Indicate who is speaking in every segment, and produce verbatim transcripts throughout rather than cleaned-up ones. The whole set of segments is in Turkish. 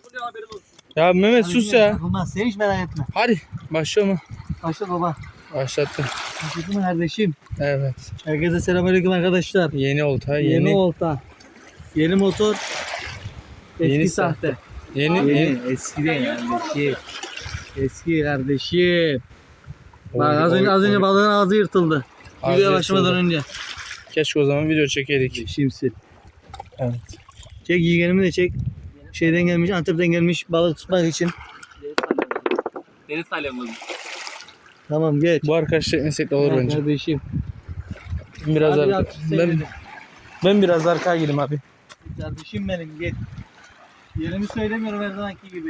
Speaker 1: takılıyor haberin olsun.
Speaker 2: Ya Mehmet sus ya.
Speaker 3: Takılmaz. Sen hiç merak etme.
Speaker 2: Hadi başlama.
Speaker 3: Başla baba.
Speaker 2: Başlattım.
Speaker 3: Başladın mı kardeşim?
Speaker 2: Evet.
Speaker 3: Herkese selamünaleyküm arkadaşlar.
Speaker 2: Yeni olta.
Speaker 3: Yeni,
Speaker 2: Yeni.
Speaker 3: olta. Yeni motor. Eski
Speaker 2: Yeni
Speaker 3: sahte.
Speaker 2: Yeni.
Speaker 3: Yeni.
Speaker 2: Yeni.
Speaker 3: Eski de kardeşim. Eski kardeşim.
Speaker 2: Oy,
Speaker 3: Bak az
Speaker 2: oy,
Speaker 3: önce, az önce
Speaker 2: oy.
Speaker 3: balığın ağzı yırtıldı.
Speaker 2: Ağzı
Speaker 3: Videoya başlamadan
Speaker 2: yırtıldı.
Speaker 3: önce.
Speaker 2: Keşke o zaman video çekeydik.
Speaker 3: Şimsil.
Speaker 2: Evet.
Speaker 3: Çek yeğenimi de çek. Şeyden gelmiş, Antep'ten gelmiş balık tutmak için.
Speaker 1: Deniz salyamız.
Speaker 3: Tamam geç.
Speaker 2: Bu arkadaş çekmesek de olur
Speaker 3: Evet,
Speaker 2: bence.
Speaker 3: kardeşim.
Speaker 2: Biraz
Speaker 3: Hadi
Speaker 2: arka.
Speaker 3: yap,
Speaker 2: Ben,
Speaker 3: seyredin.
Speaker 2: ben biraz arkaya gireyim abi.
Speaker 3: Kardeşim benim gel. Yerimi söylemiyorum her zamanki gibi.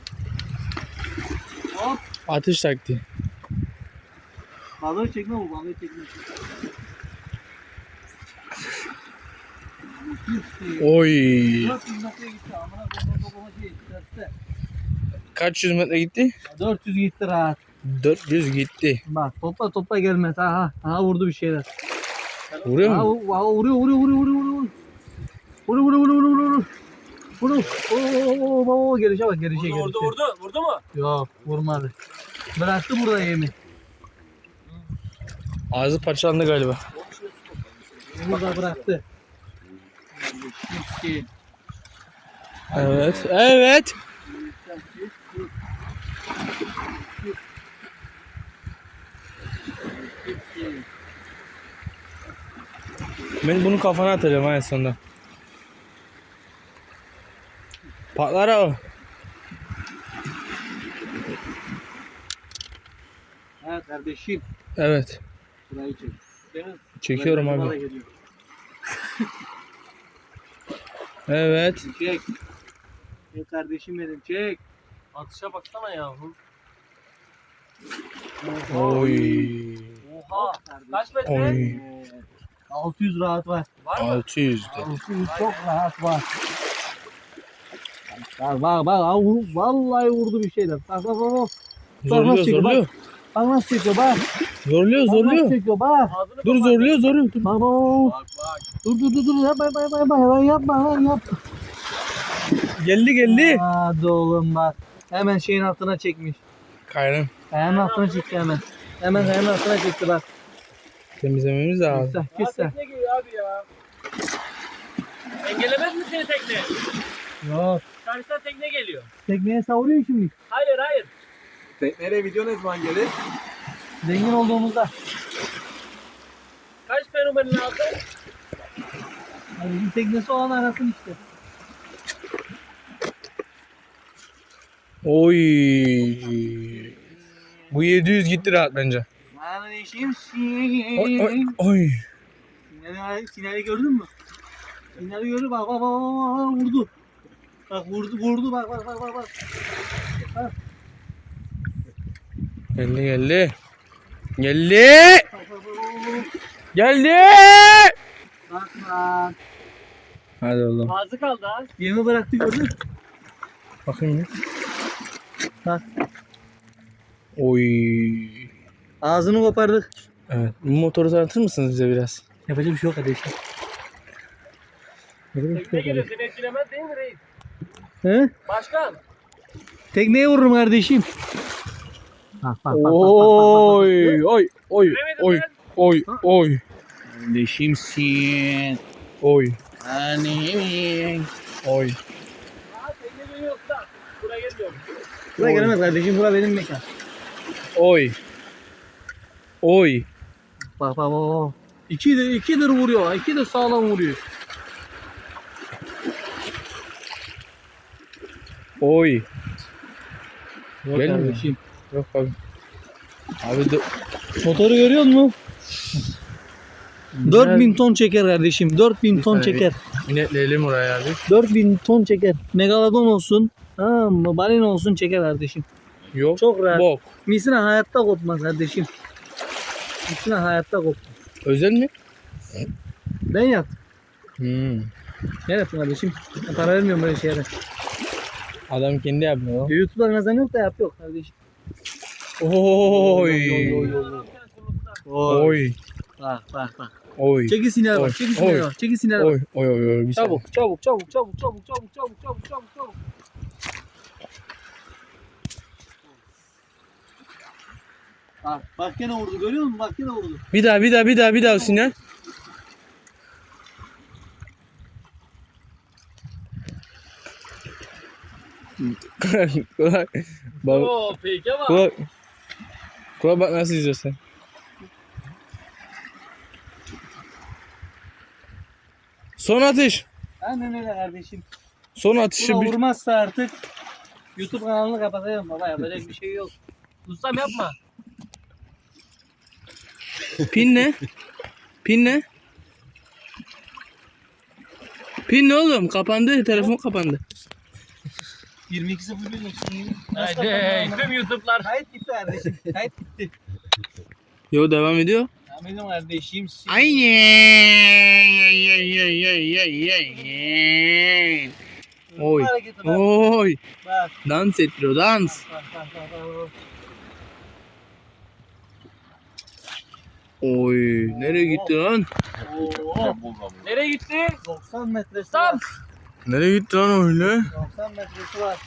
Speaker 3: Hop.
Speaker 2: Atış taktiği.
Speaker 3: Balığı çekme bu balığı çekme.
Speaker 2: Oy.
Speaker 3: dört yüz metre gitti amına koyayım babama şey dörtte.
Speaker 2: Kaç yüz metre gitti?
Speaker 3: dört yüz gitti rahat.
Speaker 2: dört yüz gitti.
Speaker 3: Bak topla topla gelmez. Aha aha vurdu bir şeyler.
Speaker 2: Vuruyor
Speaker 3: Aha,
Speaker 2: mu?
Speaker 3: vu- aha vuruyor vuruyor vuruyor vuruyor vuruyor. Vuruyor vuruyor vuruyor vuruyor vuruyor. Vuruyor. Oo oo oo gelişe bak gelişe
Speaker 1: Vurdu
Speaker 3: gelişe.
Speaker 1: vurdu vurdu. Vurdu mu?
Speaker 3: Yok vurmadı. Bıraktı burada yemi.
Speaker 2: Ağzı parçalandı galiba.
Speaker 3: Burada bıraktı.
Speaker 2: Evet. Evet. Ben bunu kafana atacağım ha en sonunda. Patlar o.
Speaker 3: Evet kardeşim.
Speaker 2: Evet.
Speaker 3: Burayı çek. Deniz.
Speaker 2: Çekiyorum
Speaker 3: buraya
Speaker 2: abi.
Speaker 3: geliyor.
Speaker 2: Evet.
Speaker 3: Çek. Çek kardeşim benim çek.
Speaker 1: Atışa baksana yahu.
Speaker 2: Oy.
Speaker 1: Oha. Kaç metre?
Speaker 2: Oy.
Speaker 3: altı yüz rahat var.
Speaker 1: Var mı?
Speaker 2: altı yüz de.
Speaker 3: altı yüz çok rahat var. Bak bak bak al, vallahi vurdu bir şeyler. Bak bak bak. bak.
Speaker 2: Zorluyor
Speaker 3: çekiyor,
Speaker 2: zorluyor.
Speaker 3: Bak nasıl çekiyor bak.
Speaker 2: Zorluyor
Speaker 3: Bak nasıl
Speaker 2: zorluyor.
Speaker 3: çekiyor bak.
Speaker 1: Ağzını
Speaker 2: Dur
Speaker 1: kapat.
Speaker 2: zorluyor zorluyor. Dur.
Speaker 3: Bak bak. bak.
Speaker 1: Bak bak.
Speaker 3: Dur dur dur dur yapma yapma yapma yapma hemen yapma hemen yapma.
Speaker 2: Geldi geldi.
Speaker 3: Hadi oğlum bak. Hemen şeyin altına çekmiş.
Speaker 2: Kayrın.
Speaker 3: Hemen altına çekti hemen. Hemen hemen altına çekti bak.
Speaker 2: Temizlememiz lazım.
Speaker 3: Kissa
Speaker 1: Ya
Speaker 3: kissa.
Speaker 1: tekne geliyor abi ya. Engelemez mi seni tekne?
Speaker 3: Yok.
Speaker 1: Karşıdan tekne geliyor.
Speaker 3: Tekneye savuruyor şimdi.
Speaker 1: Hayır hayır.
Speaker 4: Tekneyle video ne zaman gelir?
Speaker 3: Zengin olduğumuzda.
Speaker 1: Kaç fenomenin aldı?
Speaker 3: Yani bizim teknesi olan arasın işte.
Speaker 2: Oy. Bu yedi yüz gitti rahat bence.
Speaker 3: Kardeşim
Speaker 2: Oy oy oy.
Speaker 3: Sinyali, sinyali gördün mü? Sinyali gördü bak bak bak bak bak vurdu. Bak vurdu vurdu bak bak bak bak bak.
Speaker 2: Geldi geldi. Geldi.
Speaker 3: Bak bak bak bak.
Speaker 2: Geldi.
Speaker 3: Bak bak.
Speaker 2: Hadi oğlum.
Speaker 1: Ağzı kaldı ha.
Speaker 3: Yemi bıraktı gördün mü?
Speaker 2: Bakayım bir.
Speaker 3: Bak.
Speaker 2: Oy.
Speaker 3: Ağzını kopardık.
Speaker 2: Evet. Bu motoru tanıtır mısınız bize biraz?
Speaker 3: Yapacak bir şey yok kardeşim. Yapacak bir
Speaker 1: Tekne
Speaker 3: şey yok
Speaker 1: geliyor
Speaker 3: kardeşim.
Speaker 1: seni etkilemez değil mi reis?
Speaker 3: He?
Speaker 1: Başkan.
Speaker 3: Tekneye vururum kardeşim. Bak bak bak.
Speaker 2: Oy oy oy
Speaker 1: Göremedim
Speaker 2: oy
Speaker 1: ben.
Speaker 2: oy oy
Speaker 3: Kardeşimsin.
Speaker 2: oy
Speaker 3: Annemin.
Speaker 2: oy.
Speaker 1: Aa tekne geliyor usta. Buraya gelmiyor.
Speaker 3: Buraya gelemez kardeşim. Bura benim mekan.
Speaker 2: Oy. Oy.
Speaker 3: Bak bak bak. İki de ikidir vuruyor. İki de sağlam vuruyor.
Speaker 2: Oy.
Speaker 3: Yok
Speaker 2: Gelmiyor.
Speaker 3: kardeşim.
Speaker 2: Yok abi. Abi de...
Speaker 3: Motoru görüyor musun? dört bin ton çeker kardeşim. dört bin ton
Speaker 2: saniye.
Speaker 3: çeker.
Speaker 2: İnetleyelim oraya abi.
Speaker 3: dört bin ton çeker. Megalodon olsun. Ha, balina olsun çeker kardeşim.
Speaker 2: Yok.
Speaker 3: Çok rahat.
Speaker 2: Bok.
Speaker 3: Misina hayatta kopmaz kardeşim. Misina hayatta kopmaz.
Speaker 2: Özel mi?
Speaker 3: Ben yaptım.
Speaker 2: Hmm.
Speaker 3: Ne yaptın kardeşim? Ben para vermiyorum böyle şeylere.
Speaker 2: Adam kendi yapmıyor.
Speaker 3: YouTube'da kazan yok da yap yok kardeşim.
Speaker 2: Oy.
Speaker 3: Oy.
Speaker 2: Oy.
Speaker 3: Bak bak bak.
Speaker 2: Oy.
Speaker 3: Çekil sinirler
Speaker 2: Oy.
Speaker 3: bak. Çekil sinirler
Speaker 2: Oy.
Speaker 3: bak. Çekil sinirler bak.
Speaker 2: Oy. Oy. Oy. Oy. Bir saniye.
Speaker 3: Çabuk çabuk çabuk çabuk çabuk çabuk çabuk çabuk çabuk çabuk çabuk. Bak, bak gene vurdu görüyor musun? Bak gene vurdu.
Speaker 2: Bir daha bir daha bir daha bir daha sinyal. Kulak. Bak.
Speaker 1: Oo peki ama.
Speaker 2: Kulak. Kulak bak nasıl izliyorsun. Son atış.
Speaker 3: Aynen öyle kardeşim.
Speaker 2: Son atışı
Speaker 3: Buna
Speaker 2: bir.
Speaker 3: vurmazsa artık YouTube kanalını kapatacağım baba. Yapacak bir şey yok.
Speaker 1: Ustam yapma.
Speaker 2: Pin ne? Pin ne? Pin ne oğlum? Kapandı. Telefon kapandı.
Speaker 3: yirmi iki sıfır bir olsun.
Speaker 1: Haydi tüm YouTube'lar.
Speaker 3: Kayıt gitti kardeşim. Kayıt gitti.
Speaker 2: Yo devam ediyor.
Speaker 3: Ya benim kardeşim.
Speaker 2: Aynen. Oy.
Speaker 3: Hareketi bak.
Speaker 2: Oy.
Speaker 3: Bak.
Speaker 2: Dans ettiriyor dans.
Speaker 3: Bak bak bak. bak.
Speaker 2: Oy. Nereye gitti lan?
Speaker 3: Oo.
Speaker 1: Nereye gitti?
Speaker 3: doksan metresi
Speaker 1: Ustam.
Speaker 3: var.
Speaker 2: Nereye gitti lan öyle?
Speaker 3: doksan metresi var.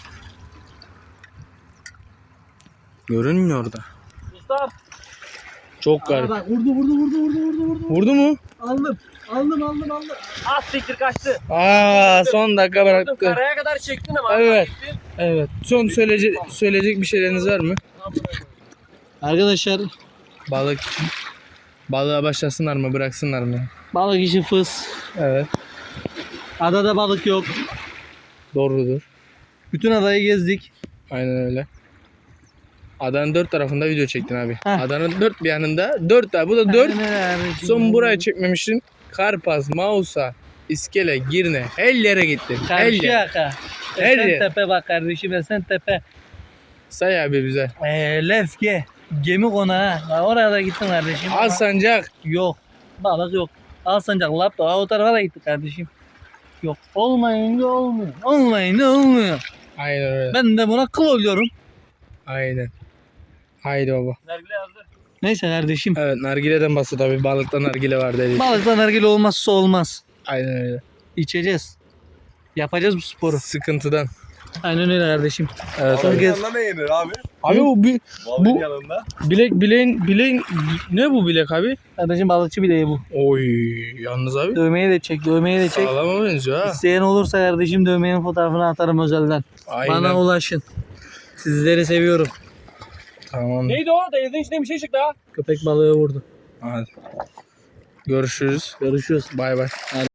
Speaker 2: Görünmüyor orada.
Speaker 1: Ustam.
Speaker 2: Çok
Speaker 3: Aa,
Speaker 2: garip.
Speaker 3: bak vurdu vurdu vurdu vurdu vurdu vurdu.
Speaker 2: Vurdu mu?
Speaker 3: Aldım. Aldım aldım aldım.
Speaker 1: Az siktir kaçtı.
Speaker 2: Aa, son dakika
Speaker 1: Vurdum,
Speaker 2: bıraktı.
Speaker 1: karaya kadar çektin ama.
Speaker 2: Evet.
Speaker 1: gittin.
Speaker 2: Evet. Son söyleyecek söyleyecek bir şeyleriniz var mı?
Speaker 3: Arkadaşlar
Speaker 2: Balık için. Balığa başlasınlar mı, bıraksınlar mı?
Speaker 3: balık işi fıs.
Speaker 2: Evet.
Speaker 3: Adada balık yok.
Speaker 2: Doğrudur.
Speaker 3: Bütün adayı gezdik.
Speaker 2: Aynen öyle. Adanın dört tarafında video çektin abi.
Speaker 3: Heh.
Speaker 2: Adanın dört bir yanında dört tane. Bu da dört.
Speaker 3: Aynen öyle kardeşim.
Speaker 2: Son burayı çekmemişsin. Karpaz, Mausa, İskele, Girne. Her yere gittin. Her yer.
Speaker 3: Karşıyaka.
Speaker 2: Her yer.
Speaker 3: Esentepe bak kardeşim Esentepe.
Speaker 2: Say abi bize.
Speaker 3: Ee, Lefke. Gemi konağı. Bak oraya da gittim kardeşim. ama
Speaker 2: Alsancak.
Speaker 3: Yok. Balık yok. Alsancak Lapta. O tarafa da gittik kardeşim. Yok. Olmayınca olmuyor. Olmayınca olmuyor.
Speaker 2: Aynen öyle.
Speaker 3: Ben de buna kıl oluyorum.
Speaker 2: Aynen. Haydi baba.
Speaker 1: Nergile yazdı.
Speaker 3: Neyse kardeşim.
Speaker 2: Evet, nargileden bahset abi. Balıkta nargile var dedi.
Speaker 3: Balıktan nargile olmazsa olmaz.
Speaker 2: Aynen öyle.
Speaker 3: İçeceğiz. Yapacağız bu sporu.
Speaker 2: Sıkıntıdan.
Speaker 3: Aynen öyle kardeşim.
Speaker 2: Evet
Speaker 3: Sonra
Speaker 2: abi.
Speaker 3: gez-
Speaker 4: Yanında ne yenir abi?
Speaker 2: Abi o bir
Speaker 4: Balığın
Speaker 2: Bu-
Speaker 4: yanında.
Speaker 2: bilek bileğin bileğin ne bu bilek abi?
Speaker 3: Kardeşim balıkçı bileği bu.
Speaker 2: Oy yalnız abi.
Speaker 3: Dövmeyi de çek, dövmeyi de çek.
Speaker 2: Sağlama benziyor ha.
Speaker 3: İsteyen olursa kardeşim dövmenin fotoğrafını atarım özelden.
Speaker 2: Aynen.
Speaker 3: Bana ulaşın. Sizleri seviyorum.
Speaker 2: Tamam.
Speaker 1: Neydi o? Denizin içinde bir şey çıktı ha.
Speaker 3: Köpek balığı vurdu.
Speaker 2: Hadi. Görüşürüz.
Speaker 3: Görüşürüz.
Speaker 2: Bay bay.